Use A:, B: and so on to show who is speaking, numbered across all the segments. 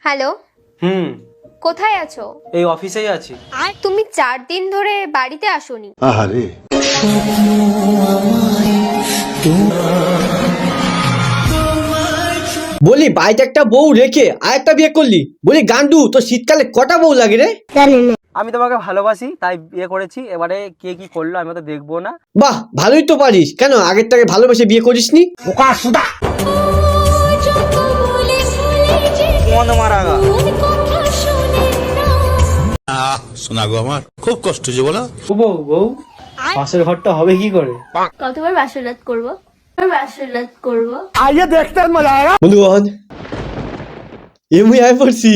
A: Hello,
B: হুম,
A: কোথায় আছো?
B: এই অফিসেই আছি।
A: তুমি 4 দিন ধরে বাড়িতে আসোনি।
C: আহারে
D: বলি বাড়িতে একটা বউ রেখে আর একটা বিয়ে করলি, বলি গান্ডু তো শীতকালে কটা বউ লাগে রে?
B: আমি তোমাকে ভালোবাসি তাই বিয়ে করেছি, এবারে কে কি করলো আমি তো দেখবো না।
D: বাহ, ভালোই তো পারিস, কেন আগের থেকে ভালোবেসে বিয়ে করিসনি?
C: শোনা গো আমার খুব কষ্ট যে বলো।
B: বউ বউ পাশের ঘরটা হবে কি করে?
A: কতবার বাসরাত করব? বাসরাত করব।
D: বন্ধুগণ, এমনি আই পড়ছি।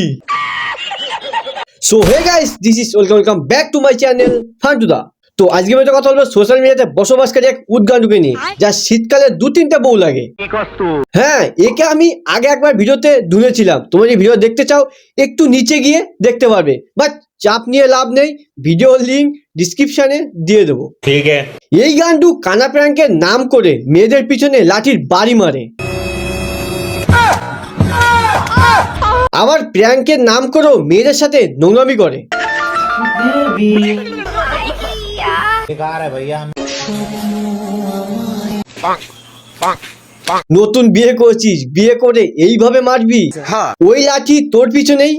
D: So hey guys, this is welcome back to my channel ফান্টুদা। তো আজকে আমি একটা কথা বলবো সোশ্যাল মিডিয়াতে বসবাসকারী এক উদ্গান্ডুকে নিয়ে, যা শীতকালে 2-3টা বউ লাগে। হ্যাঁ, একে আমি আগে একবার ভিডিওতে ধুনেছিলাম। তোমরা যদি ভিডিও দেখতে চাও একটু নিচে গিয়ে দেখতে পারবে, বাট চাপ নিয়ে লাভ নেই, ভিডিও লিংক ডিসক্রিপশনে দিয়ে দেবো।
C: ঠিক আছে।
D: এই গান্ডু কানা প্র্যাঙ্কের নাম করে মেয়েদের পিছনে লাঠির বাড়ি মারে, আবার প্র্যাঙ্কের নাম করেও মেয়েদের সাথে নোংরামি করে। নতুন বিয়ে করছিস, বিয়ে করে এইভাবে মারবি? ওই লাঠি তোর পিছনেই।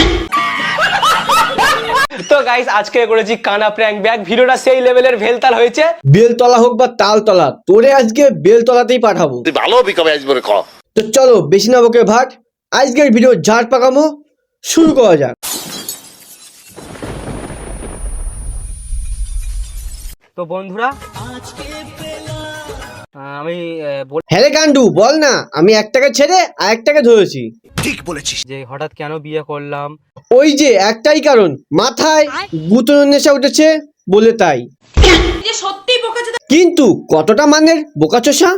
B: তো গাইস, আজকে করেছি কানা প্র্যাঙ্ক ব্যাগ। ভিডিওটা সেই লেভেলের ভেলতাল হয়েছে।
D: বেলতলা হোক বা তালতলা, তোরে আজকে বেলতলাতেই পাঠাবো।
C: তুই ভালো বিকবে আসবে ক।
D: তো চলো বেশি না বকে ভাট, আজকের ভিডিও ঝাড় পাকামো শুরু করা যাক।
B: তো বন্ধুরা, আমি
D: হ্যাঁ রে গান্ডু, বল না। আমি একটাকে ছেড়ে আর একটাকে ধরেছি।
C: ঠিক বলেছিস।
B: যে হঠাৎ কেন বিয়ে করলাম।
D: ওই যে একটাই কারণ, মাথায় গুতনের নেশা উঠেছে বলে তাই। কিন্তু কতটা মানের বোকাচোষা।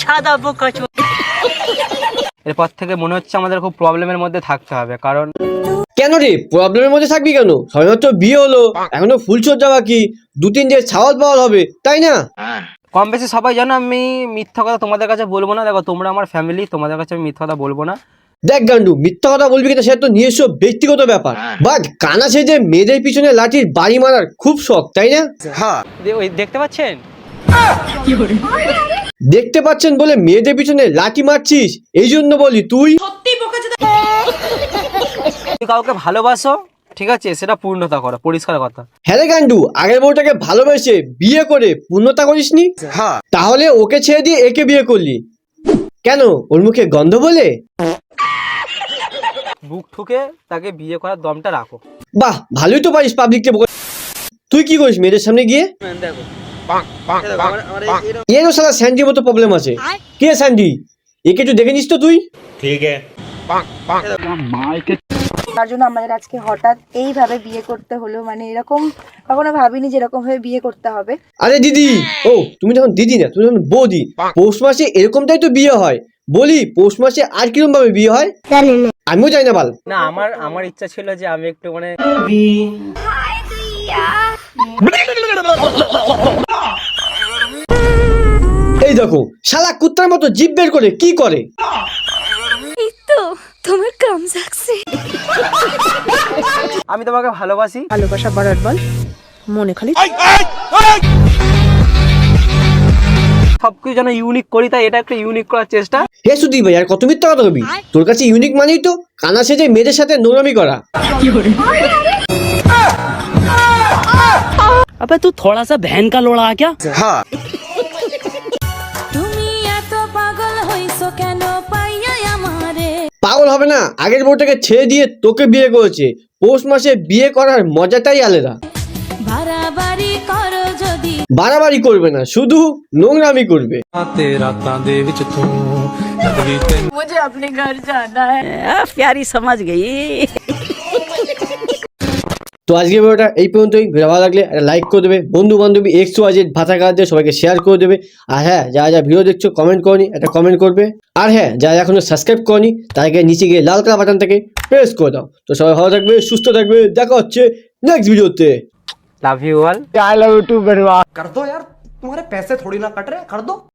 B: এরপর থেকে মনে হচ্ছে আমাদের খুব প্রবলেমের মধ্যে থাকতে হবে, কারণ
D: কেন রে প্রবলেমের মধ্যে থাকবি কেন? সবেমাত্র বিয়ে হলো, এখনো ফুলসজ্জা বাকি, 2-3 দিন ছাওয়াল পাওয়াল হবে, তাই না?
B: কম বেশি সবাই জানো আমি মিথ্যা কথা তোমাদের কাছে বলবো না। দেখো, তোমরা আমার ফ্যামিলি, তোমাদের কাছে আমি মিথ্যা কথা বলবো না।
D: দেখ গান্ডু, মিথ্যা কথা বলবি কিনা সেটা তো নিজস্ব ব্যক্তিগত ব্যাপার, বাট কানা সেজে মেয়েদের পিছনে লাঠির বাড়ি মারার খুব শখ, তাই না?
B: ওই দেখতে পাচ্ছেন,
D: দেখতে পাচ্ছেন বলে মেয়েদের পিছনে লাঠি মারছিস, এই জন্য বলি তুই
B: তুমি কাউকে ভালোবাসো, ঠিক আছে, সেটা পূর্ণতা করো, পরিষ্কার কথা।
D: হ্যাঁ রে গান্ডু, আগের বউটাকে ভালোবেসে বিয়ে করে পূর্ণতা করিসনি, তাহলে ওকে ছেড়ে দিয়ে একে বিয়ে করলি কেন? ওর মুখে গন্ধ বলে?
B: বুক ঠুকে তাকে বিয়ে করার দমটা রাখো।
D: বাহ, ভালোই তো পারিস পাবলিককে বোকা। তুই কি করিস মেয়েদের সামনে গিয়ে?
B: দেখো,
D: এরও সালা স্যান্ডির মতো প্রবলেম আছে। কে স্যান্ডি? একে একটু দেখে নিস তো তুই।
C: ঠিক আছে।
E: তার জন্য আমাদের আজকে হঠাৎ এইভাবে বিয়ে করতে হলো, মানে এরকম কখনো ভাবিনি যে এরকম ভাবে বিয়ে করতে হবে।
D: আরে দিদি, ও তুমি যখন দিদি না, তুমি যখন বৌদি। পৌষ মাসে এরকমটাই তো বিয়ে হয়। বলি পৌষ মাসে আর কিরকম ভাবে বিয়ে হয় আমিও জানি না বাল।
B: না, আমার ইচ্ছা ছিল যে আমি একটু মানে
D: এই দেখো শালা কুত্তার মতো জিভ বের করে কি করে।
A: তোমার কাম সাকসে।
B: আমি তোমাকে ভালোবাসি।
E: ভালোবাসা বাড়ার বল মনে খালি
B: সবকিছু যেন ইউনিক করি, তাই এটা একটা ইউনিক করার চেষ্টা।
D: হে সুদী ভাই, আর কত মিথ্যা কথা কবি? তোর কাছে ইউনিক মানেই তো কানা সেজে মেয়েদের সাথে নোংরামি করা।
F: अबे तू थोड़ा सा बहन का लोड़ा आ क्या?
D: পাগল হবে না, আগের বউটাকে ছেড়ে দিয়ে তোকে বিয়ে করেছে। পৌষ মাসে বিয়ে করার মজাটাই আলাদা। বাড়াবাড়ি করবে না, শুধু নোংরামি করবে।
F: प्यारी समझ गई।
D: তো আজকে ভিডিওটা এই পর্যন্তই। ভিডিও ভালো লাগলে একটা লাইক করে দেবে, বন্ধু বান্ধবী এক্স ওয়াই জেড ভাতা কাজে সবাইকে শেয়ার করে দেবে। আর হ্যাঁ, যারা যা ভিডিও দেখছো কমেন্ট করনি, একটা কমেন্ট করবে। আর হ্যাঁ, যারা এখনো সাবস্ক্রাইব করনি তাদেরকে নিচে গিয়ে লাল কালার বাটন থেকে প্রেস করে দাও। তো সবাই ভালো থাকবে, সুস্থ থাকবে, দেখা হচ্ছে নেক্সট ভিডিওতে।
B: Love you all.
G: कर दो यार, तुम्हारे पैसे थोड़ी ना कट रहे, कर दो।